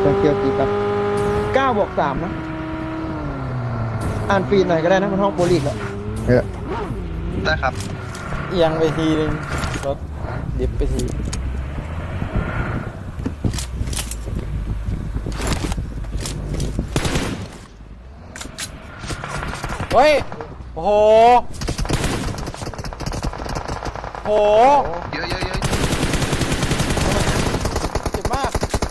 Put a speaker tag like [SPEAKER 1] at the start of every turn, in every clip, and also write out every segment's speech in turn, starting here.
[SPEAKER 1] เกียวกี่ครับ9+3นะอ่านฟีดหน่อยก็ได้นะมันห้องโปรลีกแล้ว
[SPEAKER 2] ได้ครับ
[SPEAKER 3] เอียงไปทีนึงรถดิฟไปทีเฮ้ยโอ้โหโห
[SPEAKER 2] เยอะ
[SPEAKER 3] เจ็บมาก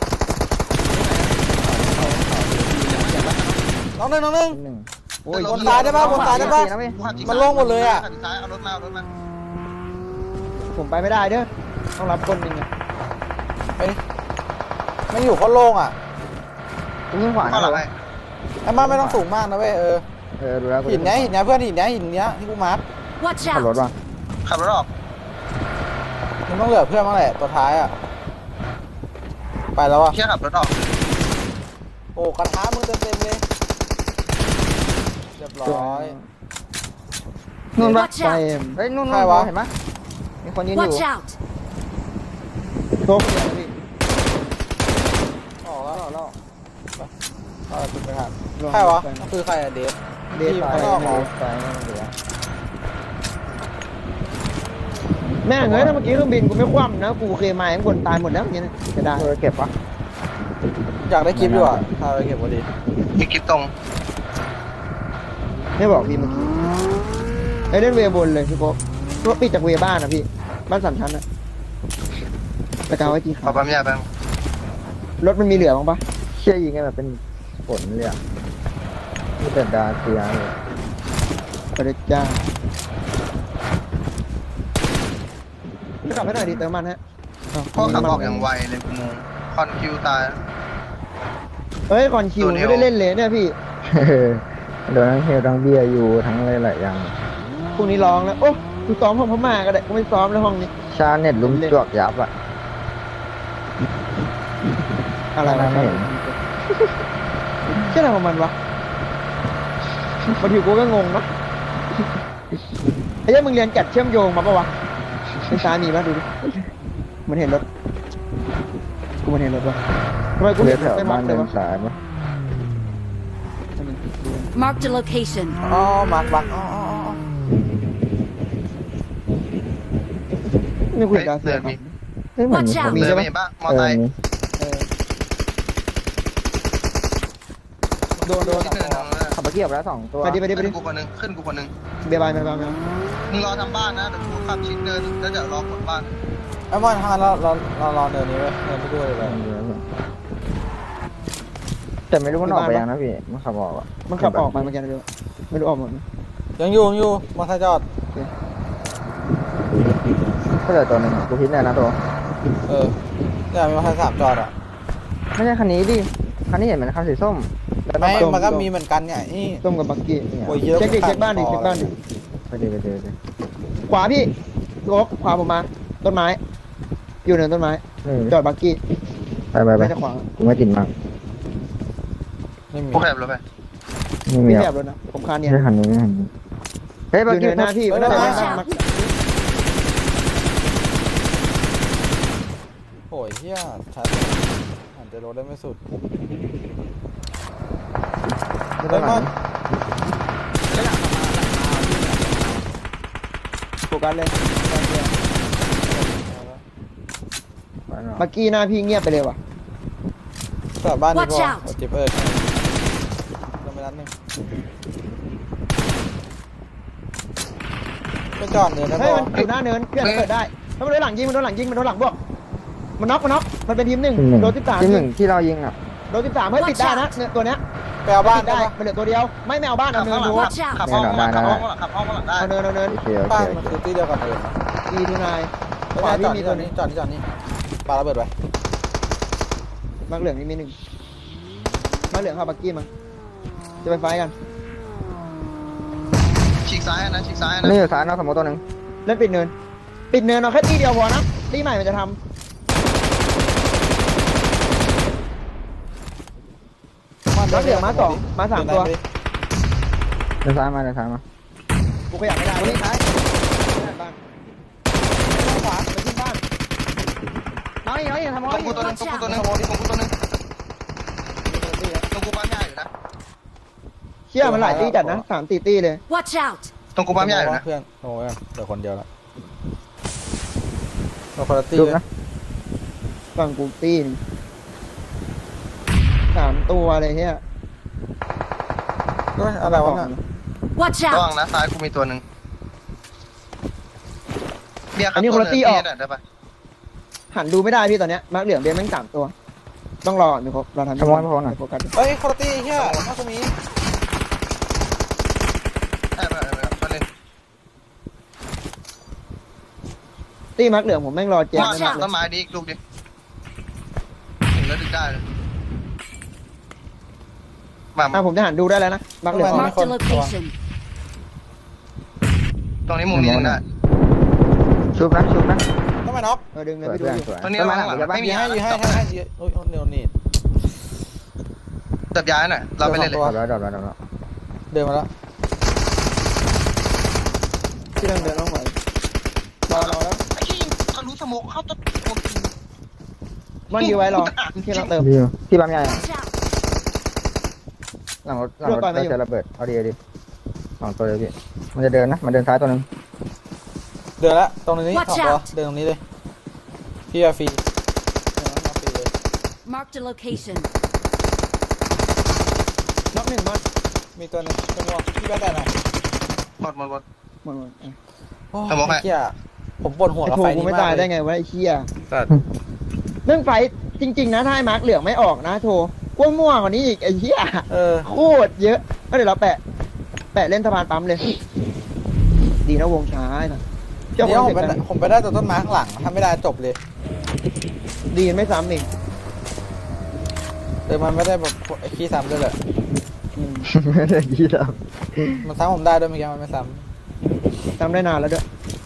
[SPEAKER 3] น้องหนึ่งโอ้ยบนตายได้ป่ะมันโล่งหมดเลยอ่ะ
[SPEAKER 2] เอารถมา
[SPEAKER 1] ผมไปไม่ได้เด้อต้องรับคนหนึ่งอ่ะ
[SPEAKER 3] ไปไม่อยู่เขาโล่งอ่ะ
[SPEAKER 1] ยิงขวานะ
[SPEAKER 3] ไอ้มาไม่ต้องสูงมากนะเว้ย
[SPEAKER 1] ดูแล้ว
[SPEAKER 3] หินเนี้ยเพื่อนหินเนี้ยที่กูมาร์ค
[SPEAKER 1] ขับรถว่ะ
[SPEAKER 2] ขับรถออก
[SPEAKER 3] มันต้องเหลือเพื่อนบ้างแหละตัวท้ายอ่ะไปแล้วอ่ะ
[SPEAKER 2] เชี่ยขับรถออก
[SPEAKER 3] โอ้กระทะมึงเต็มเลยเรียบร้อย
[SPEAKER 1] นู่นวะไปเฮ้ยนู่นวะเห็นไหมมีคนยืนอยู่โต๊ะเลยพี่
[SPEAKER 3] ออกแล้วคุณไปครับใครวะคือใครอะเดฟ
[SPEAKER 1] ไปแม่งเฮ้ยถ้าเมื่อกี้เครื่องบินกูไม่คว่ำนะกูเคยมาข้างบนตายหมดแล้วอย่างเงี้ยจะได้เก็บปะ
[SPEAKER 3] อยากได้คลิปด้วยถ้าไปเก็บพอดี
[SPEAKER 2] มีคลิปตรง
[SPEAKER 1] ไม่บอกพี่เมื่อกี้ไอ้เล่นเวบนเลยพี่โป๊ะตัวปิดจากเวบ้านนะพี่บ้าน3 ชั้นนะตะกาวไว้กี่ขา
[SPEAKER 2] ปั๊มยาบ้าง
[SPEAKER 1] รถมันมีเหลือบ้างปะเชี่ยยิงไงแบบเป็นฝนเลยอ่ะที่เป็นดาเซียเลยกระจ้าขับให้หน่อยดิเติมมันฮะ
[SPEAKER 2] พ่อขับออกอย่างไวเลยกูงงคอนคิวตาย
[SPEAKER 1] เฮ้ยคอนคิวไม่ได้เล่นเลยเนี่ยพี่
[SPEAKER 4] โดนทั้งเฮลทั้งเบียร์อยู่ทั้งอะไรหลายอย่าง
[SPEAKER 1] พรุ่งนี้ร้องแล้วโอ้กูซ้อมห้องพม่าก็ได้กูไม่ซ้อมในห้องนี้
[SPEAKER 4] ชาเน็ตลุ้มจวกยับอ่ะ
[SPEAKER 1] อะไรนะเห็นเชื่ออะไรของมันวะบางทีกูก็งงนะไอ้เจ้ามึงเรียนจัดเชื่อมโยงมาปะวะไอ้ซ้ายมีปะดูดิมันเห็นรถกูมันเห็นรถวะทำไมกูเห็นไปมองเลยวะ
[SPEAKER 5] Mark the location
[SPEAKER 3] อ๋อมาร์คอ๋อ
[SPEAKER 1] นี่กูเห็นดาวเสือ
[SPEAKER 2] มีใช่ไหมบ้างมอไซค์
[SPEAKER 1] โดน
[SPEAKER 4] ขับมาเกี่ยวแล้ว2 ตัว
[SPEAKER 1] ไปดิ
[SPEAKER 2] กูคนนึงขึ้นกูคนนึง
[SPEAKER 1] เบียร์บาย
[SPEAKER 2] มึงรอทำบ้านนะเดี๋ยวกูขับชิดเดินแล้วจะรอกดบ้าน
[SPEAKER 3] ไอ้บอลทางเรารอเดินนี้เว้ยเดินไปด้วยเลย
[SPEAKER 4] แต่ไม่รู้มันออกไปยังนะพี่มันขับออก
[SPEAKER 1] มันขับออกมาเมื่อกี้ไม่รู้ออกหมด
[SPEAKER 3] ยังอยู่มาทางจอด
[SPEAKER 4] ก็เหลือตัวนึงกูพิจารณาตัว
[SPEAKER 3] เนี่ยมีมาทาง3 จอดอ่ะ
[SPEAKER 4] ไม่ใช่คันนี้ดิคันนี้เห็นเหมือนคันสีส้ม
[SPEAKER 3] ไม่มันก็มีเหมือนกันเนี่ย
[SPEAKER 1] ส้มกับบักกี้เช็คบ้านดิไปดิขวาพี่โอ๊กขวาผมมาต้นไม้อยู่เหนือต้นไม้จอดบักกี้
[SPEAKER 4] ไปไม่จะขวางกูไม่ติดมาก
[SPEAKER 2] พวกแอบเลยไป
[SPEAKER 1] ไม่แอบเลยนะผมคานเนี่ย
[SPEAKER 4] ไม่หันนี้เฮ้ยบักกี้
[SPEAKER 1] หน้าพี่ไม่ได้
[SPEAKER 3] โอ้ยเฮียชัดหันจะรถได้ไม่สุด
[SPEAKER 1] ได้มั้ยโฟกัสเลยเมื่อกี้หน้าพี่เงียบไปเลยว่ะ
[SPEAKER 3] กลับบ้านดีกว่าเจ็บลงไปนัดนึงไปจอดเนินนะ
[SPEAKER 1] ให้มันอยู่หน้าเนินเพื่อนเปิดได้ถ้ามันโดนหลังยิงมันโดนหลังบวกมันน็อกมันเป็นทีม1โดน13
[SPEAKER 4] ทีม1ที่เรายิงอ่ะ
[SPEAKER 1] โดน13ให้ปิดได้นะเนี่ยตัวเนี้ย
[SPEAKER 3] ไปเอาบ้าน
[SPEAKER 1] ได้มันเหลือตัวเดียวไม่เอาบ้านเอาเนินดู
[SPEAKER 2] ขับห้องได้
[SPEAKER 1] เอาเนิน
[SPEAKER 3] บ้านมันคือที่เดียวกันเลย
[SPEAKER 1] ดีทุนาย
[SPEAKER 3] ขวาจอดนี่จอดนี่ปาระเบิดไว้
[SPEAKER 1] มังเหลืองนี่มี1มังเหลืองเข้าบักกี้มั้งจะไปไฟกัน
[SPEAKER 2] ฉีกซ้ายนะ
[SPEAKER 4] นี่อยู่ซ้ายนอกสมมติตัวนึง
[SPEAKER 1] เล่นปิดเนินเอาแค่ตีเดียวพอนะตีใหม่มันจะทำมาเหลืองมา2มา3ตัว
[SPEAKER 4] เดินซ้ายมา
[SPEAKER 1] กูขยับไม่ได้นี่ซ้ายบ้านขวาไปที่บ้านน้อยทำอะไร
[SPEAKER 2] กูตัวนึงตรงกูปั๊มยาอยู่นะ
[SPEAKER 1] เชี่ยมันหลายตีจัดนะ3-4 ตีเลย
[SPEAKER 5] Watch out!
[SPEAKER 2] ตรงกูปั๊มยาอยู่นะ
[SPEAKER 3] เพื่อนโอ้ยเดี๋ยวคนเดียวละเราคนละตี
[SPEAKER 4] จุบ
[SPEAKER 3] เลย
[SPEAKER 4] นะ
[SPEAKER 1] ฝั่งกูตีน3 ตัวเลยเฮีย
[SPEAKER 3] เฮ้ยอะไรวะเนี่ย
[SPEAKER 5] Watch
[SPEAKER 2] ระวัง
[SPEAKER 5] out!
[SPEAKER 2] นะซ้ายกูมีตัวหนึ่งเบียร์ครับ
[SPEAKER 1] อันนี้คนละตีออก
[SPEAKER 2] ได้ปะ
[SPEAKER 1] หันดูไม่ได้พี่ตอนเนี้ยมาร์กเหลืองเบนแม่ง3 ตัว ต้องรอมีครบเราทำ
[SPEAKER 4] ขโมยพอหน่อย
[SPEAKER 1] โฟกัส
[SPEAKER 3] เฮ้ยคนละตีเฮียน่าจะมี
[SPEAKER 2] ได้ปะมาเลย
[SPEAKER 1] ตีมาร์กเหลืองผมแม่งรอแจม
[SPEAKER 2] ว่า
[SPEAKER 1] ไม่มากเล
[SPEAKER 2] ต้
[SPEAKER 1] ย
[SPEAKER 2] นไม้ดิลูกดิถึงแล้วดึงได้เลยมา
[SPEAKER 1] ผมจะหันดูได้แล้วนะมาร์กเหลือง
[SPEAKER 5] Marked a location.
[SPEAKER 2] ตรงนี้มุมนี้ดึงได้
[SPEAKER 4] ชุบนะชุบนะ
[SPEAKER 3] ต้องมาน็อก
[SPEAKER 1] ดึงเลย
[SPEAKER 4] สวย
[SPEAKER 1] พี่ดู
[SPEAKER 4] เพื่อน
[SPEAKER 1] อยู่
[SPEAKER 4] สวย
[SPEAKER 2] ตรงนี้
[SPEAKER 4] ต้นไม้
[SPEAKER 2] ระ
[SPEAKER 4] หลั
[SPEAKER 2] วั
[SPEAKER 4] ง
[SPEAKER 2] งหลัง
[SPEAKER 4] จะบ้า
[SPEAKER 2] ไม่
[SPEAKER 4] น
[SPEAKER 2] มี
[SPEAKER 3] ให้โอ้ยเดี๋ยวนี่
[SPEAKER 2] จับย้ายหน่อยเราไปเล่นเลย
[SPEAKER 3] ตัว
[SPEAKER 4] ดอกแล้ว
[SPEAKER 3] เดินมาแล้ว
[SPEAKER 1] ที่เดินต้องไหวรอแล้ว
[SPEAKER 2] ไอ้ที่ทะลุสโมกเข้าต้นโมกิน
[SPEAKER 1] มันอยู่ไว้รอที่เราเติม
[SPEAKER 4] ดีที่ปั๊มใหญ่
[SPEAKER 5] Watch out!
[SPEAKER 4] หลังรถเราจะระเบิดเอาดี2 ตัวเลยพี่มันจะเดินนะมันเดินซ้ายตัวนึง
[SPEAKER 3] เดินละตรงนี้
[SPEAKER 5] Watch
[SPEAKER 3] 2 ตัว
[SPEAKER 5] out
[SPEAKER 3] เดินตรงนี้เลยพี่อาฟรีมาฟรีเลย
[SPEAKER 5] Marked a location.
[SPEAKER 1] น็อก1 มัด
[SPEAKER 3] มีตัวนึงเป็นวอพี่แบ๊ดได้ไหม
[SPEAKER 2] หมด
[SPEAKER 1] หมด
[SPEAKER 3] โอ้
[SPEAKER 2] สมองให้
[SPEAKER 3] เฮียผมปวดหัว
[SPEAKER 1] ไอ้
[SPEAKER 3] กับ
[SPEAKER 1] โถ
[SPEAKER 3] ไฟ
[SPEAKER 1] กู
[SPEAKER 3] นี้
[SPEAKER 1] ไม่
[SPEAKER 3] มาก
[SPEAKER 1] ตาย
[SPEAKER 3] เล
[SPEAKER 1] ได้
[SPEAKER 3] ย
[SPEAKER 1] ไงวะไอ้เชี่ย
[SPEAKER 3] สัตว์
[SPEAKER 1] เรื่องไฟจริงๆนะถ้าให้มาร์กเหลืองไม่ออกนะโถกล้วยม่วงกว่านี้อีกไอ้เชี่ย โคตรเยอะก็เดี๋ยวเราแปะเล่นสะพานปั๊มเลย ดีนะวงช้าไอ้สัสเจ้า
[SPEAKER 3] เดี๋
[SPEAKER 1] ข
[SPEAKER 3] ยว
[SPEAKER 1] อง
[SPEAKER 3] ผม
[SPEAKER 1] เด็ก
[SPEAKER 3] ไป
[SPEAKER 1] กัน
[SPEAKER 3] ผมไปได้ตัวต้นไม้ข้างหลังถ้าไม่ได้จบเลย
[SPEAKER 1] ดีไม่ซ้ำอีก
[SPEAKER 3] เดี๋ยวมันไม่ได้แบบไอ้ขี้ซ้ำด้วยแหละ
[SPEAKER 1] อืม
[SPEAKER 4] ไม่ได้ยี่ดับ
[SPEAKER 3] มันซ้ำผมได้ด้วยเมื่อกี้มันไม่ซ้
[SPEAKER 1] จำได้นานแล้วด้วย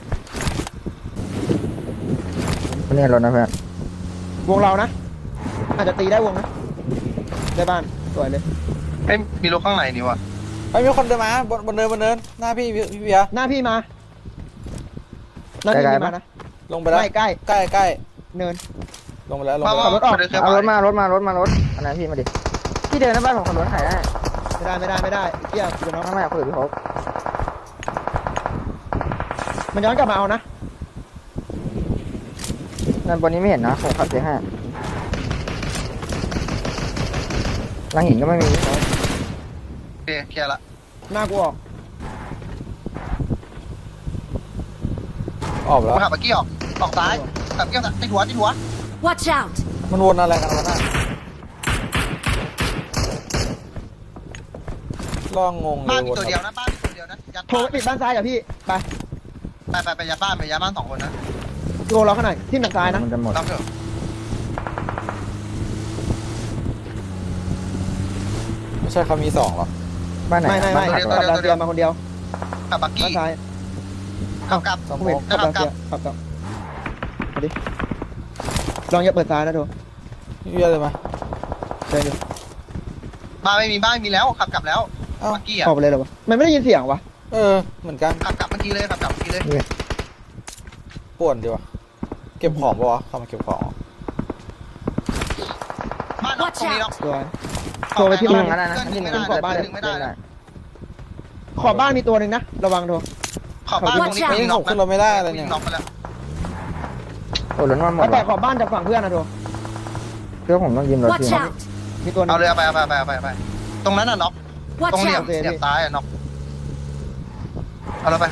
[SPEAKER 4] นี่รถนะเพื่อน
[SPEAKER 1] วงเรานะ อาจจะตีได้วงนะ ได้บ้าน สวยเลย
[SPEAKER 2] เอ้ยมีรถข้างในนี่วะ
[SPEAKER 3] ำไอ้ยมีคนเดินมาบนเนินหน้าพี่เบียร์
[SPEAKER 1] หน้าพี่มา หน้าพี่มีมานะ
[SPEAKER 3] ลงไปแล้ว
[SPEAKER 1] ใกล้
[SPEAKER 3] ใกล้
[SPEAKER 1] เนิน
[SPEAKER 3] ลงไปแล้วลง
[SPEAKER 2] มา
[SPEAKER 3] ไปแล้ว
[SPEAKER 1] ขับรถออก
[SPEAKER 2] เดินเครื่อง
[SPEAKER 4] เอารถ
[SPEAKER 2] มา
[SPEAKER 4] มารถอันนั้นพี่มาดิพี่เดินหน้าบ้านผมขับรถถ่ายได้
[SPEAKER 1] ไม่ได้เกี่ยกูจะน้อง
[SPEAKER 4] ไม่คุยกับพี่พบ
[SPEAKER 1] มันย้อนกลับมาเอานะ
[SPEAKER 4] นั่นบนนี้ไม่เห็นนะผมขับJ5หลังหินก็ไม่มี
[SPEAKER 2] โอเคเคลียร์ละ
[SPEAKER 1] หน้ากูออก
[SPEAKER 3] ออกแล้ว
[SPEAKER 2] มาขับเมื่อกี้ออกซ้ายขับเกี้ยวติดหัว
[SPEAKER 5] Watch out!
[SPEAKER 3] มันวนอะไรกันวะน่ะล่องงงเล
[SPEAKER 2] บ้าน
[SPEAKER 3] ย
[SPEAKER 2] มี
[SPEAKER 3] วน
[SPEAKER 2] ตัวเดียวนะบ้านมีตัวเดียวนะยัด
[SPEAKER 1] โทรไปปิดบ้านซ้ายกับพี่ ไป
[SPEAKER 2] ไปยัดบ้าน2 คนนะ
[SPEAKER 1] โทรเราข้างหน่อยที่ทางซ้ายนะ
[SPEAKER 4] มันจะหมด
[SPEAKER 2] รับเถอะ
[SPEAKER 3] ไม่ใช่เขามี2หรอ
[SPEAKER 4] บ้านไหน
[SPEAKER 1] ไม่ขับดาวเทียมมาคนเดียว
[SPEAKER 2] ขับบัก
[SPEAKER 1] บ้า
[SPEAKER 2] กี้
[SPEAKER 1] นซ้าย
[SPEAKER 2] ขับ
[SPEAKER 3] สม
[SPEAKER 1] ผม
[SPEAKER 3] ม
[SPEAKER 1] เห็น
[SPEAKER 3] ติ
[SPEAKER 1] ขับดาวเทียมขับต่อมาดิ ลองอย่าเปิดซ้ายนะโทร
[SPEAKER 3] พี่เบียร์เลยไหม
[SPEAKER 1] เดินดู
[SPEAKER 2] บ้านไม่มีแล้วขับกลับแล้ว
[SPEAKER 3] เอ้า
[SPEAKER 2] บักกี้อ่ะ
[SPEAKER 1] ออกไปเลยเหรอวะ มันไม่ได้ยินเสียงวะ
[SPEAKER 3] เหมือนกัน
[SPEAKER 2] ขับกลับเมื่อกี้เลยขับกลับเมื่อกี้เลย
[SPEAKER 3] ป่วนดีวะเก็บของปะวะเข้ามาเก็บของ
[SPEAKER 2] บ้านน็อกตรงนี้น็อก
[SPEAKER 1] สวย โทรไปที่
[SPEAKER 4] ที่
[SPEAKER 1] บ้า
[SPEAKER 4] มึ
[SPEAKER 1] น
[SPEAKER 4] งอะไรนะ
[SPEAKER 2] ดึงไม่
[SPEAKER 4] ที่
[SPEAKER 2] ได้
[SPEAKER 4] มึง
[SPEAKER 2] ดึงไม่ได้
[SPEAKER 1] ขอบบ้านมีตัวหนึ่งนะ ระวังโทร
[SPEAKER 2] ขอบบ้านตรงนี้
[SPEAKER 3] เฮ้ย
[SPEAKER 2] น็
[SPEAKER 3] ผ
[SPEAKER 2] อก
[SPEAKER 3] มขึ้นรถไม่ได้อะไรเนี่ย
[SPEAKER 2] น็อกไปแล้ว
[SPEAKER 4] โอ้รถมาหมด
[SPEAKER 1] แล้วแต่ขอบบ้านจากฝั่งเพื่อนนะโทร
[SPEAKER 4] เพื่อผมต้องยืมรถ
[SPEAKER 5] Watch
[SPEAKER 4] พี่
[SPEAKER 5] out!
[SPEAKER 1] มีตัวหนึ
[SPEAKER 2] เอา
[SPEAKER 1] ง
[SPEAKER 2] เลยไปตรงนั้นน่ะน็อกตรง
[SPEAKER 5] Watch
[SPEAKER 2] เหลี่ยม
[SPEAKER 5] out!
[SPEAKER 2] เหลี่ยมซ้ายอ่ะน็อกเอาแล้วไป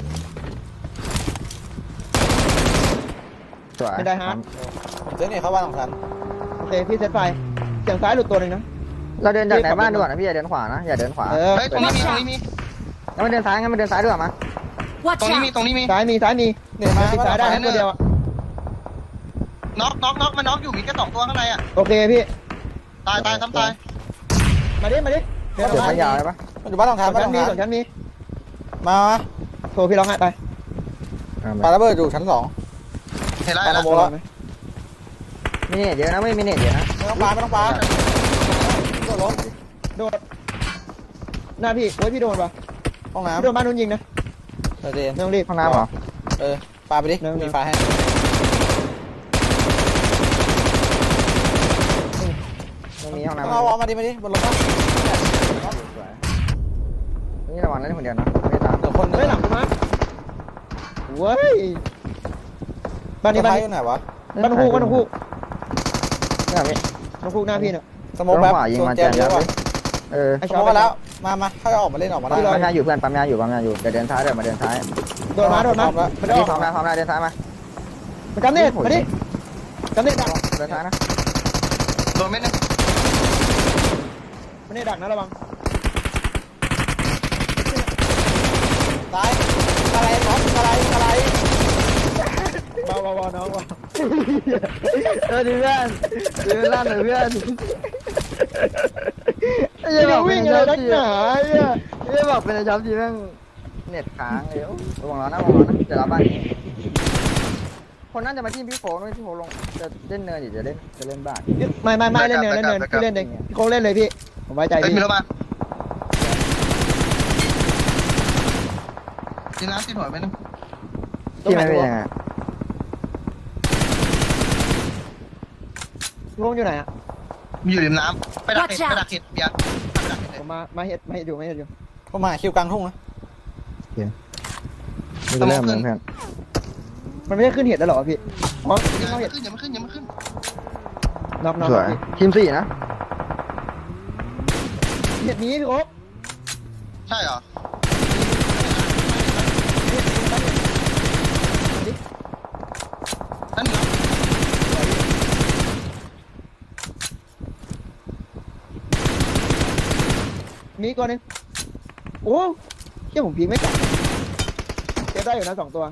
[SPEAKER 4] สวย
[SPEAKER 1] ไม่ได้ฮะ
[SPEAKER 3] ผมเจ๊เนี่ยเข้าบ้านของฉัน
[SPEAKER 1] โอเค พี่เซตไฟ เสียงซ้ายหลุดตัวหนึ่งนะ
[SPEAKER 4] เราเดินจากไหนบ้านดีกว่านะพี่อย่าเดินขวานะอย่าเดินขวา
[SPEAKER 1] เออ
[SPEAKER 2] เฮ้ยตรงนี้มี
[SPEAKER 4] งั้นมันเดินซ้ายงั้นมันเดินซ้ายดีกว่ามั้ย
[SPEAKER 5] Watch
[SPEAKER 2] ตรงนี้มี
[SPEAKER 5] out!
[SPEAKER 2] ตรงนี้มี
[SPEAKER 1] ซ้ายมี
[SPEAKER 3] เนี่ยมา
[SPEAKER 1] ปิดซ้ายได้นะตัวเดียวอะ
[SPEAKER 2] น็อกมันน็อกอยู่มีแค่2 ตัวข้างในอ่ะ
[SPEAKER 1] โอเคพี่
[SPEAKER 2] ตายซ้ำตาย
[SPEAKER 1] มาดิ
[SPEAKER 4] เดินขายาวเลยปะ
[SPEAKER 3] มันอยู่บ้านของฉัน
[SPEAKER 1] ส่
[SPEAKER 3] บ้าน
[SPEAKER 1] วน
[SPEAKER 3] ข
[SPEAKER 1] ชั้
[SPEAKER 3] อน ง
[SPEAKER 1] มี
[SPEAKER 3] ฉั
[SPEAKER 1] ส่วน นชั้นมี
[SPEAKER 3] มา
[SPEAKER 1] โทรพี่ร้องไห้ไป
[SPEAKER 3] ปาระเบิดอยู่ชั้น2
[SPEAKER 2] เห็นแล้ว
[SPEAKER 3] ปาระเบิดแล้ว
[SPEAKER 4] มีเน็ตเยอะนะไม่มีเน็ตเยอะนะ
[SPEAKER 3] ไม่ต้องปาตัวล้ม
[SPEAKER 1] โดด หน้าพี่โอ้ยพี่โดนปะ
[SPEAKER 3] ห้อง
[SPEAKER 1] พี่
[SPEAKER 3] น้ำ
[SPEAKER 1] โดนบ้านนู้นยิงนะ
[SPEAKER 3] เจน
[SPEAKER 1] ไม่ต้องรีบ
[SPEAKER 4] ห้องน้ำเหรอ
[SPEAKER 3] ปาไปดิมีไฟให้
[SPEAKER 4] ไม่มีห้องน้ำ
[SPEAKER 3] เอามาดิบนรถป่ะ
[SPEAKER 4] สวยนี่ระวังเล่นคนเดียวนะไม่ตาม
[SPEAKER 3] เดี๋ยวคนนึง
[SPEAKER 1] เฮ้ยหลังกูมาเว้ยบ้านนี้บ้าน
[SPEAKER 3] อ
[SPEAKER 1] นี้
[SPEAKER 3] ยู่ไหนวะ
[SPEAKER 1] บ้านฮูก
[SPEAKER 4] นี่พี่
[SPEAKER 1] บ้านฮูกหน้าพี่เนี่ย
[SPEAKER 3] สโมกแบบ
[SPEAKER 4] ขวายิงมา
[SPEAKER 3] แจ
[SPEAKER 4] แจ
[SPEAKER 3] ม
[SPEAKER 4] ม
[SPEAKER 3] เย
[SPEAKER 4] ยั
[SPEAKER 3] อะ
[SPEAKER 4] บ
[SPEAKER 3] ว่ะ
[SPEAKER 4] เออ
[SPEAKER 1] ไอ้
[SPEAKER 3] ส
[SPEAKER 1] ชอ
[SPEAKER 3] โม
[SPEAKER 1] บ
[SPEAKER 3] กมาแล้วมาค่อยออกมาเล่นออกมาได้
[SPEAKER 4] ปั๊มยาอยู่เพื่อนปั๊มยาอยู่เดี๋ยวเดินซ้ายเดี๋ยวมาเดินซ้าย
[SPEAKER 1] โดนมาไม่ได้อ
[SPEAKER 4] พี่
[SPEAKER 1] อก
[SPEAKER 4] พร้อมแล้วเดินซ้ายมา
[SPEAKER 1] มันจำเน็ตมาดิจำเน็ตดัก
[SPEAKER 4] เดินซ้ายนะ
[SPEAKER 2] โดนเม็ดนึง
[SPEAKER 1] มันเน็ตดักนะระวัง
[SPEAKER 3] ตายอะไรน้องอะไร
[SPEAKER 1] เบาน้องเบา
[SPEAKER 4] ดีเพื่อนดีลั่นเลยเพื่อน
[SPEAKER 1] จะวิ่งอะไรนักหนาเนี่ย
[SPEAKER 4] ไม่บอกเป็นช็อปทีแม่งเน็ตค้างเลยระวังร้อนนะเดี๋ยวรับบ้านนี้คนนั้นจะมาที่พี่โฟนพี่โฟลงจะเล่นเนินจะเล่นบ้าน
[SPEAKER 1] ไม่เล่นเนินพี่เล่นเองพี่โค้งเล่นเลยพี่ผมไว้ใจ
[SPEAKER 2] เฮ้ย
[SPEAKER 1] พี่
[SPEAKER 2] มีรถมากินน้ำติดหัวไปนึง
[SPEAKER 4] ที่ไม่เป็นยังไง
[SPEAKER 1] พี่โค้งอยู่ไหนอ่ะ
[SPEAKER 2] มีอยู่ริมน้ำไปดักเห็ดเบียร์ไปดักเห็ด
[SPEAKER 1] ผมมาเห็ดอยู่
[SPEAKER 3] ผมมาคิวกลางทุ่งนะ
[SPEAKER 4] ไม่เริ่มเพื่อน
[SPEAKER 1] มันไม่ได้ขึ้นเห็ดแล้วหรอพี่อ๋อ
[SPEAKER 2] อย่า
[SPEAKER 1] เข้า
[SPEAKER 2] มา
[SPEAKER 1] เห็ด
[SPEAKER 2] ขึ้นอย่ามาขึ้นอย่ามาขึ้น
[SPEAKER 1] น็อก
[SPEAKER 4] สวยทีม4นะ
[SPEAKER 1] เห็ดนี้พี่โค้ง
[SPEAKER 2] ใช่เหรอนั่นเหรอ
[SPEAKER 1] มีตัวนึงโอ้เชี่ยผมพีไม่กลับเก็บได้อยู่นะ2ตัว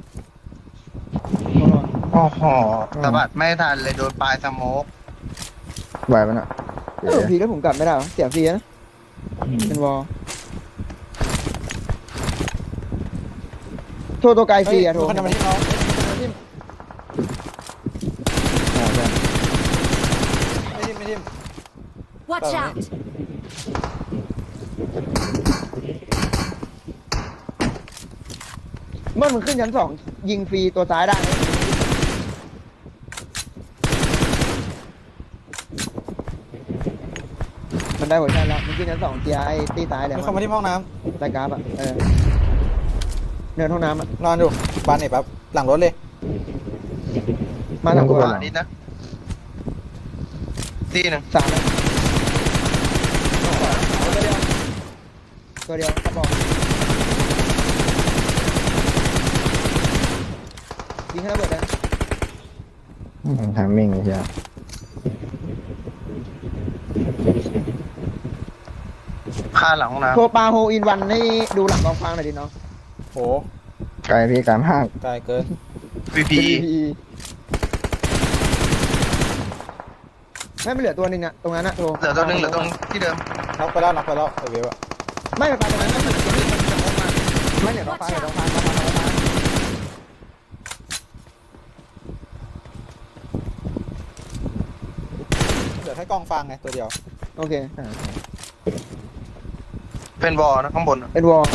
[SPEAKER 2] โอ้โหสะบัดไม่ทันเลยโดนปลายสโมก
[SPEAKER 4] ไหวปะน่ะ
[SPEAKER 1] พีแล้วผมกลับไม่ได้เสียฟรีนะเป็นวอลโทรตัวไกลฟรีอะโทร
[SPEAKER 3] คนจะมาที่น้องไม่ทิม
[SPEAKER 5] Watch out!
[SPEAKER 1] เมื่อมันขึ้นชั้น2ยิงฟรีตัวซ้ายได้มันได้หัวใจแล้วมันขึ้นชั้น2เทียไอ้ตีซ้ายเลย
[SPEAKER 3] มีคนมาที่ห้องน้
[SPEAKER 1] รายการอะเนินห้องน้ำอะ
[SPEAKER 3] ำนอนอยู่บ้านไหนปั๊บหลังรถเลย
[SPEAKER 1] มาสองตัว
[SPEAKER 2] ขวานิดนะตีหนึ่ง
[SPEAKER 1] 3เลยตัวเดียวกระบอกยิงให้ระเบิดได้
[SPEAKER 4] ทำมิ่งใช่
[SPEAKER 2] ข้าหลังห้องน้
[SPEAKER 1] โทรปลาโฮอินวันให้ดูหลังกองฟางหน่อยดิน้อง
[SPEAKER 3] โห
[SPEAKER 4] ไกลพี่ไกลมาก
[SPEAKER 3] ไกลเกิน
[SPEAKER 2] ำVP
[SPEAKER 1] ไม่เหลือตัวหนึ่งอะตรงนั้นอะโทร
[SPEAKER 2] เหลือตัวหนึงเหลือตรงที่เดิม
[SPEAKER 3] น็อกไปแล้วไอเวฟอะ
[SPEAKER 1] ไม่ไปตรงนั้นนะ
[SPEAKER 4] ไม่เดี๋ยวต้องฟัง
[SPEAKER 3] เหลือแค่กองฟางไงตัวเดียว
[SPEAKER 1] โอเค
[SPEAKER 2] เป็นวอลนะข้างบน
[SPEAKER 1] เป็นวอล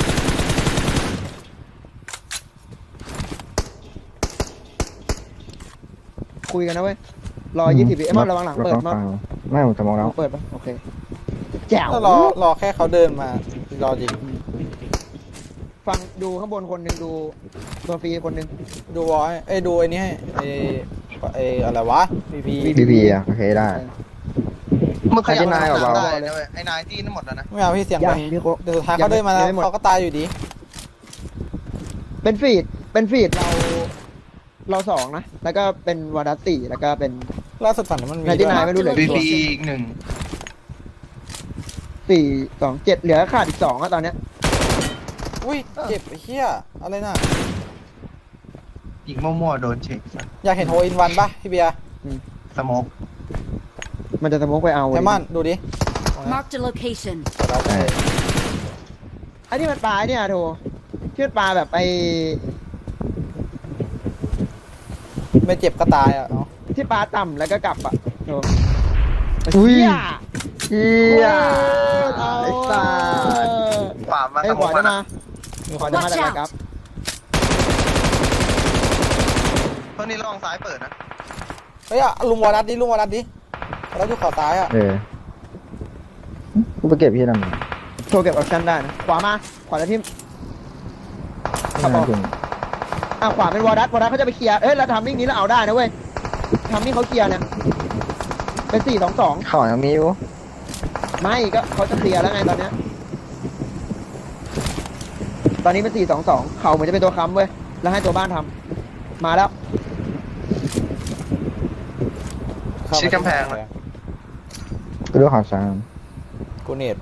[SPEAKER 1] คุยกันนะเว้ยรอ20 วิไอ้มอนระวังหลังเปิดมอน
[SPEAKER 4] ไม่ผมจะมองแล้ว
[SPEAKER 1] เปิดปะโอเคแจ๋ว
[SPEAKER 3] ก็รอแค่เขาเดินมารอยิง
[SPEAKER 1] ฟังดูข้างบนคนหนึ่งดูตัวฟรีคนหนึ่ง
[SPEAKER 3] ดูวอยเอ้ยดูไอ้นี่ให้ไอ้อะไรวะ VP
[SPEAKER 4] พีอ่ะโอเคได้
[SPEAKER 2] มึงขยับ
[SPEAKER 4] ไอ้นายเหรอวะ
[SPEAKER 2] ได้นะเว้ยไอ้นายที่นั่นหมดแล้วนะ
[SPEAKER 3] ไม่เอาพี่เสียง
[SPEAKER 1] ยั
[SPEAKER 3] ไป
[SPEAKER 1] งพี่โค
[SPEAKER 3] เดี๋ยวสุดท้ายเขาเดินมาแล้วเขาก็ตายอยู่ดี
[SPEAKER 1] เป็นฟีดเรา2นะแล้วก็เป็นวาดัส4แล้วก็เป็น
[SPEAKER 3] ล่าสุดฝันมันมี
[SPEAKER 1] ในที่นายไม่รู้เหลือ
[SPEAKER 2] VP อีกหนึ่ง
[SPEAKER 1] 4 2 7เหลือขาดอีก2อะตอนเนี้ย
[SPEAKER 3] อุ้ยเจ็บไอ้เหี้ยอะไรน่ะ
[SPEAKER 2] ยิงมั่วๆโดนเช็ค
[SPEAKER 3] อยากเห็นโฮอินวันป่ะพี่เบียร์
[SPEAKER 2] สโมก
[SPEAKER 1] มันจะสโมกไปเอา
[SPEAKER 3] ไอมอนดูดิ
[SPEAKER 5] Marked a location.
[SPEAKER 1] ไอ้ที่มันปลาเนี่ยโทเชือดปลาแบบไอ้
[SPEAKER 3] ไม่เจ็บก็ตายอ่ะเนาะ
[SPEAKER 1] ที่ปลาต่ำแล้วก็กลับอะโท
[SPEAKER 4] อุ้ย
[SPEAKER 1] เหี้ย
[SPEAKER 4] เฮีย
[SPEAKER 1] เอา
[SPEAKER 4] ไอ้สัส
[SPEAKER 2] ฝ่ามา
[SPEAKER 1] ไอ้
[SPEAKER 2] ส
[SPEAKER 1] ข
[SPEAKER 2] โม
[SPEAKER 1] วาก จะ
[SPEAKER 2] มา
[SPEAKER 1] มา ขวาจะมา
[SPEAKER 5] Watch
[SPEAKER 1] จากไหนครับ
[SPEAKER 2] ตอนนี้ระวังซ้ายเปิดนะ
[SPEAKER 3] เฮ้ยอะลุงวอรัสดิวอรัสอยู่ขอซ้ายอ่ะ
[SPEAKER 4] กูไปเก็บพี่ทำไม
[SPEAKER 1] โชว์เก็บออปชั่นได้นะขวามาขวาแล้วทิม ครับผม ขวาเป็นวอร์ดัสเขาจะไปเคลียร์เอ้ยเราทำมิ่งนี้แล้วเอาได้นะเว้ยทำมิ่งเขาเคลียร์เนี่ยเป็น4-2-2
[SPEAKER 4] ข่าวยังมีอยู่
[SPEAKER 1] ไม่ก็เขาจะเคลียร์แล้วไงตอนเนี้ยตอนนี้เป็น4-2-2เขาเหมือนจะเป็นตัวค้ำเว้ยแล้วให้ตัวบ้านทำมาแล้ว
[SPEAKER 2] ชิดกำแพงเลย
[SPEAKER 4] กูดูข่าวสาร
[SPEAKER 3] กูเน็ต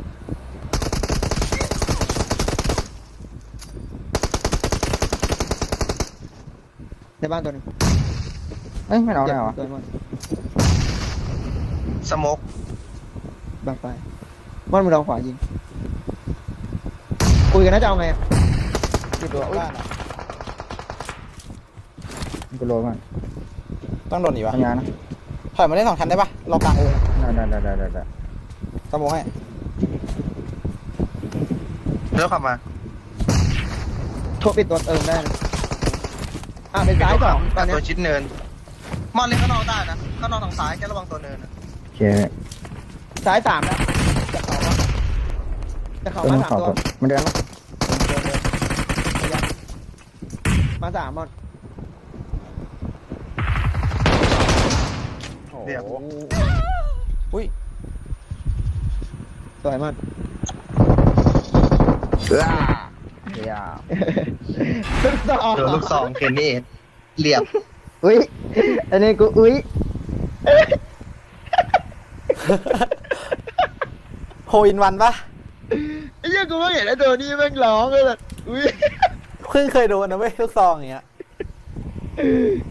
[SPEAKER 1] ในบ้านตัวหนึง
[SPEAKER 4] เอ้ยไม่เอาได้เหรอ
[SPEAKER 1] ตัวมัน
[SPEAKER 2] สโมก
[SPEAKER 1] บังไปมันมือเราขวายิงคุยกันน่าจะเอาไงอะ
[SPEAKER 3] อยู่ตัวบ้านอะ
[SPEAKER 4] กูโลมัน
[SPEAKER 3] ต้องโดนหนีวะ
[SPEAKER 4] ทำงานนะ
[SPEAKER 3] ถอยมาได้2 ชั้นได้ปะรอกลางวง
[SPEAKER 4] ได้
[SPEAKER 3] สมองให้
[SPEAKER 2] เลือกขับมา
[SPEAKER 1] โทรปิดตัวเติมได้นะเป็นซ้ายสองตอนเนี้ย
[SPEAKER 2] ตัวชิดเนินมอนเล่นข้างนอกได้นะข้างนอกทางซ้ายแค่ระวังตัวเนินนะ
[SPEAKER 4] โอเค
[SPEAKER 1] ซ้าย3แล้วจะเข่ามา 3 ตัว
[SPEAKER 4] มันเดินไหม
[SPEAKER 1] มา3มัน
[SPEAKER 3] โอ้
[SPEAKER 2] เรียบ
[SPEAKER 3] โหอุ้ย
[SPEAKER 1] สวยมาก
[SPEAKER 4] เดี๋ยว
[SPEAKER 1] ลูกสอง
[SPEAKER 2] ตัวลูกซองเคนนี่เรียบ
[SPEAKER 4] อุ้ยอันนี้กูอุ้ย
[SPEAKER 3] โฮอินวันปะ
[SPEAKER 1] ไอ้เหี้ยกูไม่เห็นไอ้ตัวนี้แม่งร้องเลยแบบอุ้ย
[SPEAKER 3] เพิ่งเคยโดนนะเว้ยลูกซองอย่างเงี้ย